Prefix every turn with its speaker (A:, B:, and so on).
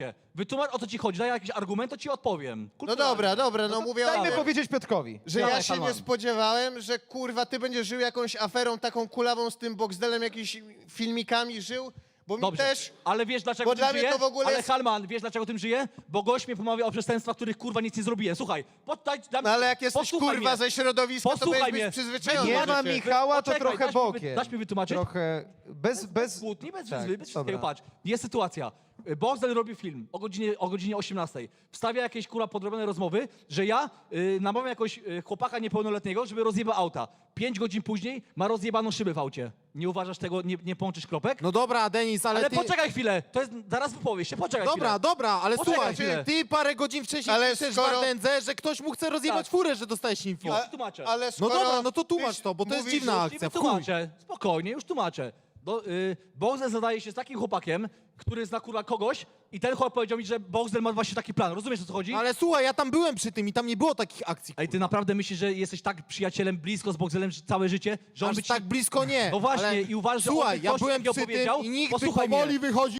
A: Wytłumacz, o co ci chodzi, daj jakiś argument, to ci odpowiem.
B: No dobra, no mówię o
C: Dajmy
B: tym,
C: powiedzieć Piotrkowi.
B: że
A: Dawaj,
B: ja się
A: Halman.
B: nie spodziewałem, że kurwa ty będziesz żył jakąś aferą taką kulawą z tym Boxdelem, jakimiś filmikami żył, bo mi
A: Dobrze,
B: też...
A: ale wiesz dlaczego
B: bo
A: tym
B: dla mnie
A: żyję?
B: to w ogóle
A: Ale
B: jest-
A: Halman, wiesz dlaczego tym żyję? Bo gość mnie pomawia o przestępstwach, których kurwa nic nie zrobiłem. Słuchaj,
B: No ale jak jesteś
A: posłuchaj
B: kurwa
A: mnie.
B: ze środowiska, to
A: Posłuchaj
B: powinieneś
A: mnie.
B: być przyzwyczajony.
C: Nie
B: do
C: ma
B: rzeczy.
C: Michała, to
A: Poczekaj,
C: trochę bokiem.
A: dasz mi wytłumaczyć?
C: Trochę bez...
A: Kłótni, bez
C: Tak,
A: wszystkiego,
C: dobra.
A: patrz. Jest sytuacja. Boxdel robi film o godzinie 18. Wstawia jakieś kurwa podrobione rozmowy, że ja namawiam jakoś chłopaka niepełnoletniego, żeby rozjebał auta. 5 godzin później ma rozjebaną szybę w aucie. Nie uważasz tego, nie połączysz kropek?
D: No dobra, Denis, ale ty...
A: poczekaj chwilę, to jest, zaraz wypowiesz się, poczekaj chwilę.
D: Dobra, ale
A: Poczekaj
D: słuchaj,
A: chwilę.
D: ty parę godzin wcześniej
B: Ale
D: piszesz
B: skoro-
D: w Ardendze, że ktoś mu chce rozjebać
A: Tak.
D: furę, że dostajesz info.
A: Już tłumaczę.
B: Ale
D: No
B: skoro
D: dobra, no to tłumacz
B: ty
D: to, bo to jest
B: mówisz,
D: dziwna
B: że-
D: akcja, w chuj.
A: Tłumaczę, spokojnie, już tłumaczę. Boxdel zadaje się z takim chłopakiem, który zna kurwa kogoś i ten chłopak powiedział mi, że Boxdel ma właśnie taki plan. Rozumiesz, o co chodzi?
D: Ale słuchaj, ja tam byłem przy tym i tam nie było takich akcji.
A: Ej, ty naprawdę myślisz, że jesteś tak przyjacielem blisko z Boxdelem całe życie, że on
D: Aż
A: by ci...
D: tak blisko nie.
A: No właśnie,
D: ale
A: i uważasz, że on
D: słuchaj,
A: by
D: ja
A: coś
D: byłem
A: takiego
D: przy tym
A: powiedział?
D: i nikt by
A: Posłuchaj
D: powoli
A: mnie.
D: wychodził